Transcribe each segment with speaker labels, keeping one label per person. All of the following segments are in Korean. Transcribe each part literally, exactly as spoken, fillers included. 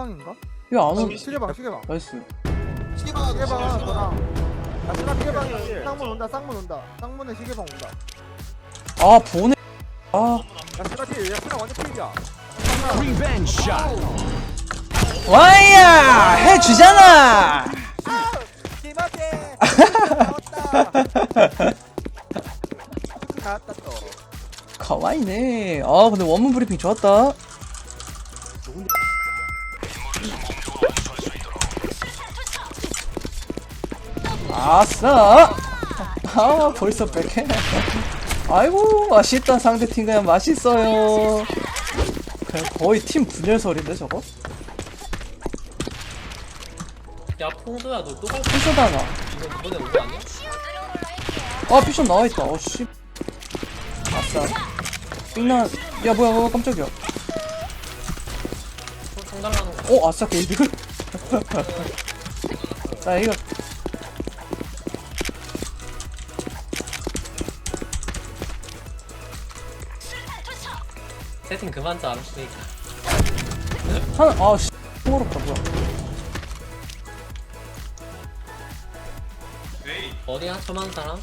Speaker 1: 시계방인가?
Speaker 2: 이거 안 오.
Speaker 1: 시계방 시계방
Speaker 2: 나이스.
Speaker 1: 시계방 시계방 너랑 야 누나 시계방에 쌍문 온다 쌍문 온다 쌍문에 시계방 온다
Speaker 2: 아 보내. 아
Speaker 1: 야 시가 필 야 시가 완전 필이야
Speaker 3: Revenge shot.
Speaker 2: 와이야 해주잖아.
Speaker 1: 기마게 나왔다 나왔다 또
Speaker 2: 가와이네. 아 근데 원문 브리핑 좋았다. 아싸. 아 벌써 백해. 아이고 맛있다. 상대팀 그냥 맛있어요. 그냥 거의 팀 분열설인데 저거?
Speaker 4: 야 퐁도야 너 또 갈
Speaker 2: 피셔다나.
Speaker 4: 이거 이번에 온 거 아니야?
Speaker 2: 아 피셔 나와있다. 어씨. 아싸. 삥나. 야 뭐야 뭐야 깜짝이야.
Speaker 4: 상달라는 거.
Speaker 2: 어 아싸 게이드. 자 이거
Speaker 4: 세팅 그만 짜 알았으니까.
Speaker 2: 하나 아씨 어렵다 뭐야.
Speaker 4: 어디야 처음 사람?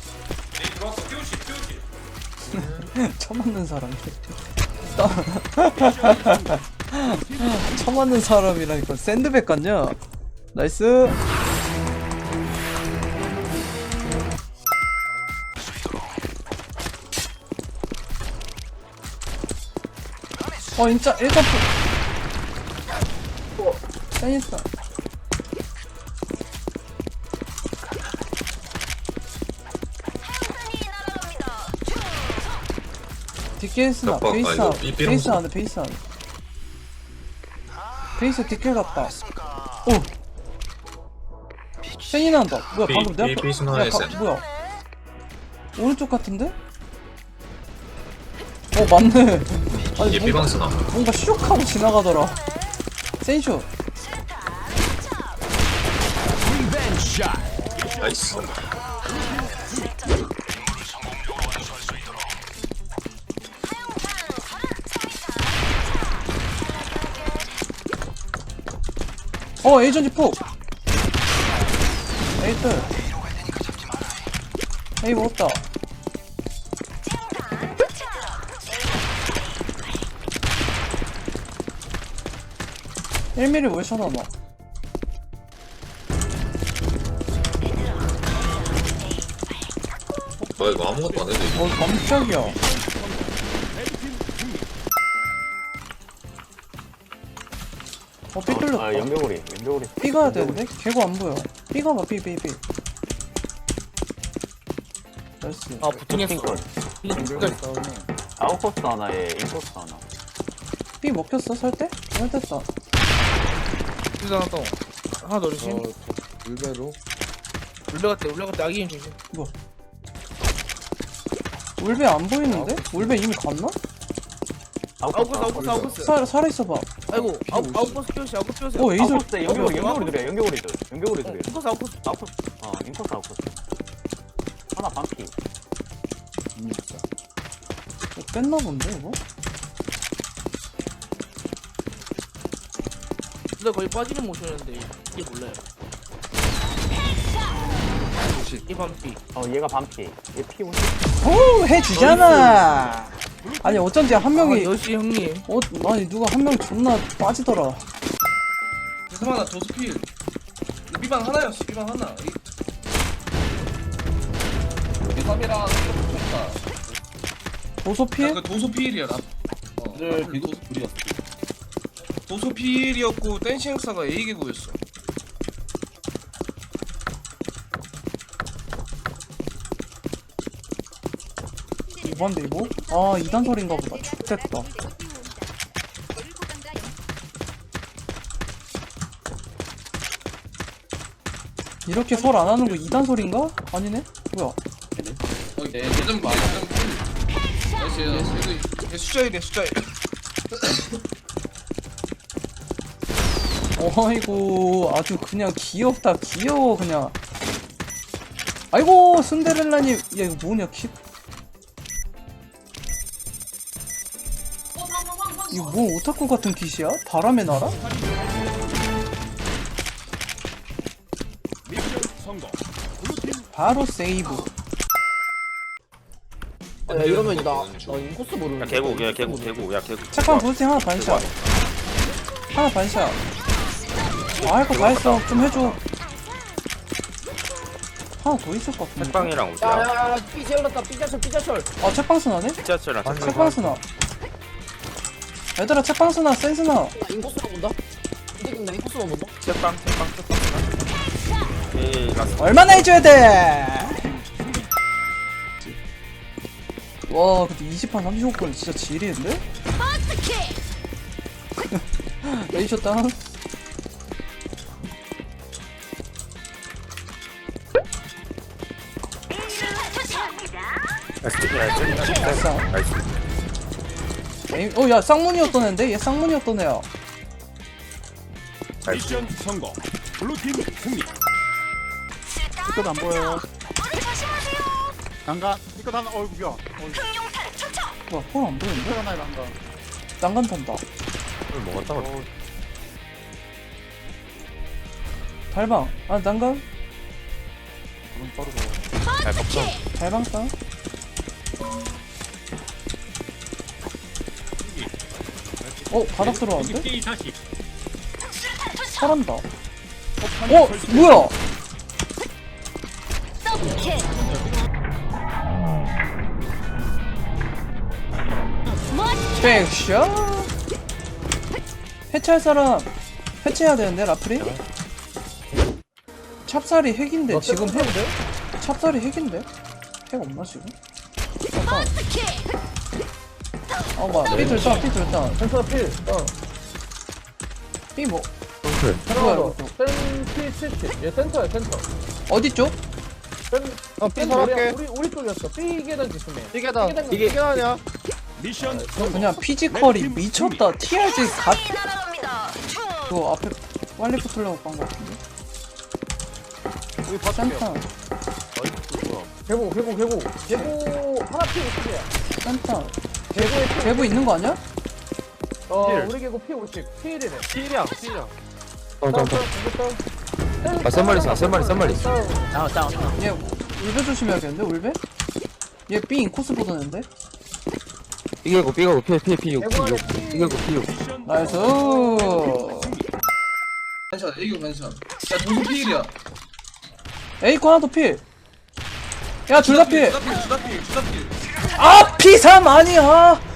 Speaker 2: 처음 맞는 사람. 처음 맞는 사람이라니까 샌드백 같냐? 나이스. 어 진짜 일단 센있어. 뒷게스나
Speaker 5: 깜빡. 아,
Speaker 2: 베이스
Speaker 5: 이거
Speaker 2: 안
Speaker 5: 이 삐롱
Speaker 2: 베이스 안돼 베이스 안돼 베이스 뒷길 갔다. 오 센이 난다. 뭐야
Speaker 5: 삐-
Speaker 2: 방금 내
Speaker 5: 삐-
Speaker 2: 앞에
Speaker 5: 삐스나의
Speaker 2: 야, 가-
Speaker 5: 센.
Speaker 2: 뭐야 오른쪽 같은데? 어 맞네. 아니
Speaker 5: 얘
Speaker 2: 뭔가,
Speaker 5: 삐방스나.
Speaker 2: 뭔가 슉 하고 지나가더라. 센쇼.
Speaker 3: Revenge shot.
Speaker 5: 나이스.
Speaker 2: 어 에이전지 폭. 에이들 에이 먹었다. 일 밀리미터 왜 쳐다봐.
Speaker 5: 어 이거 아무것도 안 해도 이거.
Speaker 2: 어 깜짝이야. 어 삐 뚫렸다.
Speaker 6: 아 연결고리 연결고리
Speaker 2: 삐 가야 되는데? 개구 안 보여. 삐 가봐 삐 삐 삐. 나이스.
Speaker 4: 아 부팅했어.
Speaker 6: 아웃코스 하나에 인코스 하나.
Speaker 2: 삐 먹혔어 설때? 설됐다.
Speaker 7: 하나 더 하나 더 조심.
Speaker 1: 물배로
Speaker 7: 울베갔대 울베갔대 아기인 조심.
Speaker 2: 울베 안 보이는데? 울베 이미 갔나?
Speaker 7: 아웃코스 아웃코스 아웃코스.
Speaker 2: 살 살아있어봐.
Speaker 7: 아이고 아웃 아웃코스 키우시 아웃코스 키우시.
Speaker 2: 오 에이솔.
Speaker 6: 아웃코스 연결고리 연결고리들이야 연결고리들 연결고리들이야.
Speaker 7: 인코스 아웃코스.
Speaker 6: 아웃코스 어 인코스 아웃코스. 하나 반피.
Speaker 2: 어, 뺐나 본데 이거?
Speaker 7: 근데 거의 빠지는 모션이었는데 이게 몰라요. 이 반피.
Speaker 6: 어 얘가 반피. 얘 피 오십.
Speaker 2: 오 해주잖아. 아니 어쩐지 한 명이
Speaker 7: 아, 역시 형님.
Speaker 2: 어 아니 누가 한 명 존나 빠지더라.
Speaker 8: 죄송하다 도스필 삐방 하나였어 삐방 하나 이 삼이랑 붙었다
Speaker 2: 도소필?
Speaker 8: 그 도소필이야 나 어, 네 도소필이었어 도소필이었고 댄싱스가 A개구였어
Speaker 2: 이번데 이거? 아 이단설인가 보다. X됐다. 이렇게 설 안 하는 거 이단설인가? 아니네? 뭐야?
Speaker 8: 어, 네, 예전 봐 예전 나이스 이거 숫자이래 숫자이
Speaker 2: 어이구 아주 그냥 귀엽다 귀여워 그냥. 아이고 순데렐라님. 야 이거 뭐냐 키. 이거 뭐 오타쿠 같은 kit이야? 바람의 나라? 바로 세이브.
Speaker 5: 야 이러면 나, 나 인코스 모르는
Speaker 9: 야 개구 야 개구 개구 야 개구
Speaker 2: 책방 부스팅 하나 반샷. 하나 반샷. 아, 할 거 다 했어. 좀 해줘. 하나 더 있을 것 같은데.
Speaker 9: 책방이랑 어디야?
Speaker 5: 야야야 삐 세울렀다 삐자철 삐자철
Speaker 2: 아, 책방 스나네?
Speaker 9: 지하철이랑 책방
Speaker 2: 책방 스나. 얘들아, 책방 스나, 센 스나.
Speaker 5: 나 인코스만 본다? 이제 나 인코스만 본다?
Speaker 9: 책방 책방 책방 에이 라스
Speaker 2: 얼마나 해줘야 돼? 와, 근데 이십 판 삼십오 건 진짜 지리인데? 레이셔 다운.
Speaker 9: 나이스 나이스
Speaker 2: 에이, 어, 야, 쌍문이었던 애인데? 얘 쌍문이었던 애야.
Speaker 3: 미션 성공. 블루팀 승리.
Speaker 6: 이끝 안 보여. 난간. 이끝 하나. 어이구 야.
Speaker 2: 뭐야, 폰안 보이는데?
Speaker 6: 이끝 하나에 난간.
Speaker 2: 난간 탄다.
Speaker 9: 먹었다
Speaker 6: 어,
Speaker 2: 달방. 아, 난간?
Speaker 6: 너무 빠르다.
Speaker 9: 잘 먹죠
Speaker 2: 달방 다운. 어, 바닥 들어왔는데? 잘한다. 어, 뭐야? 백샷. 해체할 사람 해체해야 되는데 라프리? 찹쌀이 핵인데 지금 핵 찹쌀이 핵인데? 핵 없나 지금? 잠깐. 어 뭐야 삐 들다 삐 들다
Speaker 5: 센터 필 어.
Speaker 2: 삐 뭐?
Speaker 5: 들어가
Speaker 2: 뭐야
Speaker 5: 센필 칠십 얘 센터야 센터
Speaker 2: 어디 쪽?
Speaker 5: 어
Speaker 6: 삐 살았게.
Speaker 5: 우리 우리 쪽이었어 삐 계단 조심해
Speaker 6: 이게다.
Speaker 5: 이게
Speaker 6: 이게 이게 아니야.
Speaker 3: 미션
Speaker 2: 그냥 피지컬이 미쳤다. 티알지 갓 그거 앞에 빨리 붙으려고 깐거 같은데.
Speaker 6: 우리 봐줄게요.
Speaker 2: 센터
Speaker 5: 개고 개고 개고 개고 하나 피 오십이야
Speaker 2: 센터
Speaker 5: 개고에 피
Speaker 2: 개부 있는 거 아니야?
Speaker 5: 어
Speaker 6: 필.
Speaker 5: 우리 개고 피 오십 피일이네
Speaker 6: 필이야 필이야.
Speaker 5: 아
Speaker 9: 쌤말리 있어 쌤말리 쌤말리
Speaker 2: 얘 울베 조심해야겠는데 울베? 얘 B 인코스 보던데?
Speaker 9: 삐개고 삐개고 피피 피
Speaker 5: 개고 안에
Speaker 9: 삐개고 피
Speaker 3: 미션
Speaker 2: 나이스.
Speaker 8: 반샷 애교 반샷. 야 동수 피일이야.
Speaker 2: 에이코 하나 더 필. 야 둘 다 필.
Speaker 8: 주다필 주다필 주다필.
Speaker 2: 아 피 삼 아니야.